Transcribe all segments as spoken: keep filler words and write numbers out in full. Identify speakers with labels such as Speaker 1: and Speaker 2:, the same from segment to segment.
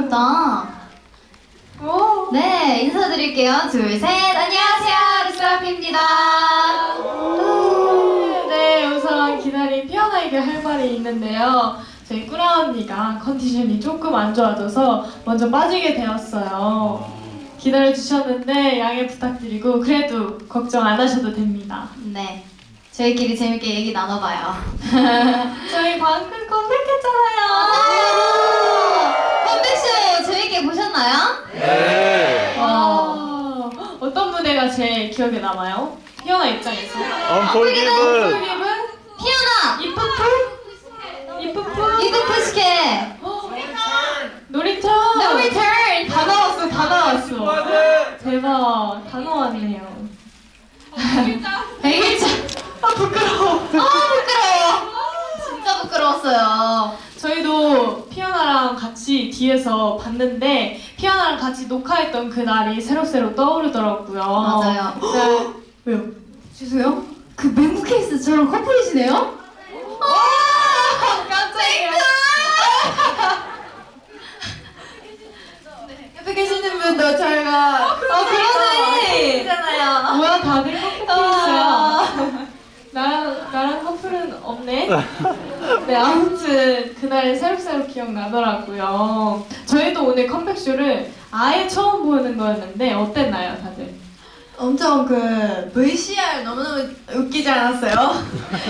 Speaker 1: 귀엽다.
Speaker 2: 오.
Speaker 1: 네, 인사드릴게요. 둘, 셋. 안녕하세요. 르세라핌입니다.
Speaker 2: 네, 우선 기다린 피어나에게 할 말이 있는데요. 저희 꾸라 언니가 컨디션이 조금 안 좋아져서 먼저 빠지게 되었어요. 기다려 주셨는데 양해 부탁드리고 그래도 걱정 안 하셔도 됩니다.
Speaker 1: 네, 저희끼리 재밌게 얘기 나눠봐요.
Speaker 2: 저희 방금 컴백했잖아요.
Speaker 1: 맞아요. 컴백쇼 재밌게 보셨나요?
Speaker 3: 네.
Speaker 2: 와, 어떤 무대가 제일 기억에 남아요? 피어나 입장에서.
Speaker 3: 언폴기븐.
Speaker 2: 폴기븐?
Speaker 1: 피어나!
Speaker 2: 이쁜 풀? 이쁜 풀?
Speaker 1: 이브 푸시케!
Speaker 2: 놀이터!
Speaker 1: No return!
Speaker 2: 다 나왔어, 다 나왔어. 대박, 다 나왔네요.
Speaker 1: 백일자!
Speaker 2: 아, 부끄러워.
Speaker 1: 아, 부끄러워! 진짜 부끄러웠어요.
Speaker 2: 저희도 피어나랑 같이 뒤에서 봤는데 피어나랑 같이 녹화했던 그 날이 새록새록 떠오르더라고요.
Speaker 1: 맞아요.
Speaker 2: 네. 왜요?
Speaker 1: 죄송해요? 그 맹구 케이스 저랑 커플이시네요?
Speaker 2: 아, 깜짝이야.
Speaker 1: 옆에 계시는 분도 저희가
Speaker 2: 어, 그러네.
Speaker 1: 잖아요.
Speaker 2: 뭐야, 다들 커플이었어요. 나랑, 나랑 커플은 없네? 네, 아무튼 그날 새록새록 기억나더라고요. 저희도 오늘 컴백쇼를 아예 처음 보는 거였는데 어땠나요, 다들?
Speaker 4: 엄청 그 브이씨알 너무너무 웃기지 않았어요?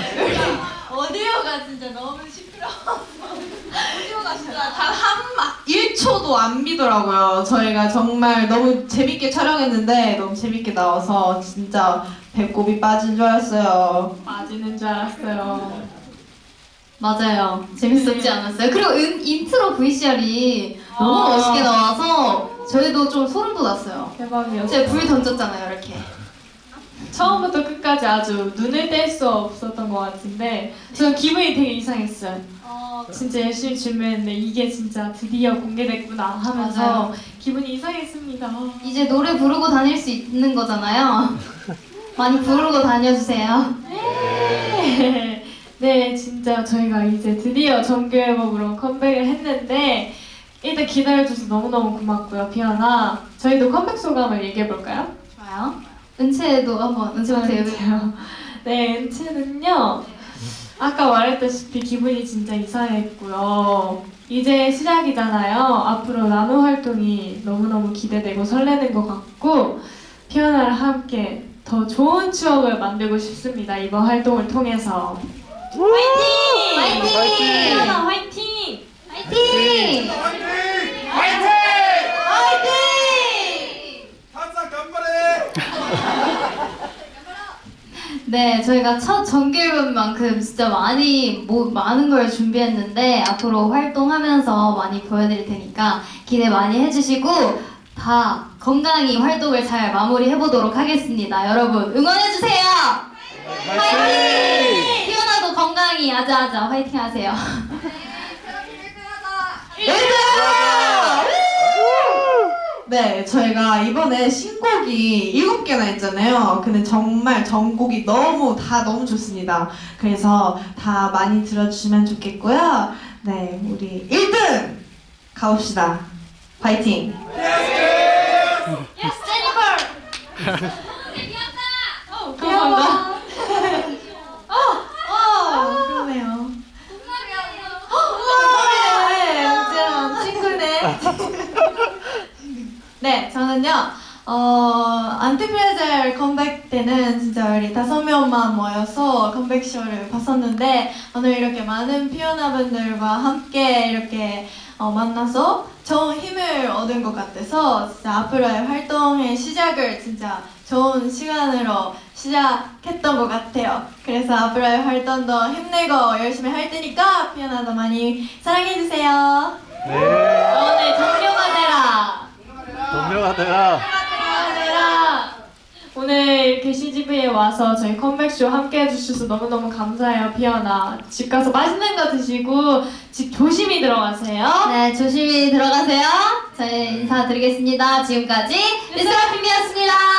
Speaker 4: 오디오가 진짜 너무 시끄러워. 오디오가 진짜 단 한 일 초도 안 비더라고요. 저희가 정말 너무 재밌게 촬영했는데 너무 재밌게 나와서 진짜 배꼽이 빠진 줄 알았어요.
Speaker 2: 빠지는 줄 알았어요.
Speaker 1: 맞아요. 재밌었지
Speaker 2: 네.
Speaker 1: 않았어요? 그리고 인, 인트로 브이씨알이 너무
Speaker 2: 아.
Speaker 1: 멋있게 나와서 저희도 좀 소름 돋았어요.
Speaker 2: 대박이었어요.
Speaker 1: 제가 불 던졌잖아요, 이렇게.
Speaker 2: 처음부터 끝까지 아주 눈을 뗄 수 없었던 것 같은데 저는 기분이 되게 이상했어요. 진짜 열심히 준비했는데 이게 진짜 드디어 공개됐구나 하면서
Speaker 1: 맞아요.
Speaker 2: 기분이 이상했습니다.
Speaker 1: 이제 노래 부르고 다닐 수 있는 거잖아요. 많이 부르고 다녀주세요.
Speaker 2: 네, 네, 진짜 저희가 이제 드디어 정규 앨범으로 컴백을 했는데 일단 기다려줘서 너무너무 고맙고요, 피어나. 저희도 컴백 소감을 얘기해볼까요?
Speaker 1: 좋아요. 은채도 한번, 은채부터 얘기해요.
Speaker 2: 은채요. 네, 은채는요. 아까 말했다시피 기분이 진짜 이상했고요. 이제 시작이잖아요. 앞으로 나노 활동이 너무너무 기대되고 설레는 것 같고 피어나랑 함께 더 좋은 추억을 만들고 싶습니다. 이번 활동을 통해서. 화이팅!
Speaker 1: 화이팅!
Speaker 3: 화이팅!
Speaker 2: 피어나 화이팅!
Speaker 1: 화이팅!
Speaker 3: 화이팅!
Speaker 1: 화이팅!
Speaker 3: 항상 간발해!
Speaker 1: 네, 저희가 첫 정규 앨범만큼 진짜 많이 뭐 많은 걸 준비했는데 앞으로 활동하면서 많이 보여드릴 테니까 기대 많이 해주시고 다 건강히 활동을 잘 마무리해보도록 하겠습니다. 여러분 응원해주세요. 화이팅! 피어나도 건강히 아자아자 화이팅하세요.
Speaker 4: 네, 저희가 이번에 신곡이 일곱 개나 있잖아요. 근데 정말 전곡이 너무 다 너무 좋습니다. 그래서 다 많이 들어주시면 좋겠고요. 네, 우리 일 등 가봅시다. 파이팅!
Speaker 2: 감사합니다.
Speaker 4: 어, 그러네요. 네, 은지랑 친구네. 네, 저는요, 어, 안티프레젤 컴백 때는 진짜 우리 다섯 명만 모여서 컴백쇼를 봤었는데, 오늘 이렇게 많은 피오나분들과 함께 이렇게 어, 만나서 좋은 힘을 얻은 것 같아서, 진짜 앞으로의 활동의 시작을 진짜 좋은 시간으로 시작했던 것 같아요. 그래서 앞으로의 활동도 힘내고 열심히 할 테니까 피오나도 많이 사랑해주세요.
Speaker 3: 네.
Speaker 1: 오늘 동료가 되라.
Speaker 3: 동료가 되라.
Speaker 2: 얘들아, 오늘 이렇게 씨지비에 와서 저희 컴백쇼 함께 해주셔서 너무너무 감사해요, 피어나. 집 가서 맛있는 거 드시고 집 조심히 들어가세요.
Speaker 1: 네, 조심히 들어가세요. 저희 인사드리겠습니다. 지금까지 르세라핌이었습니다.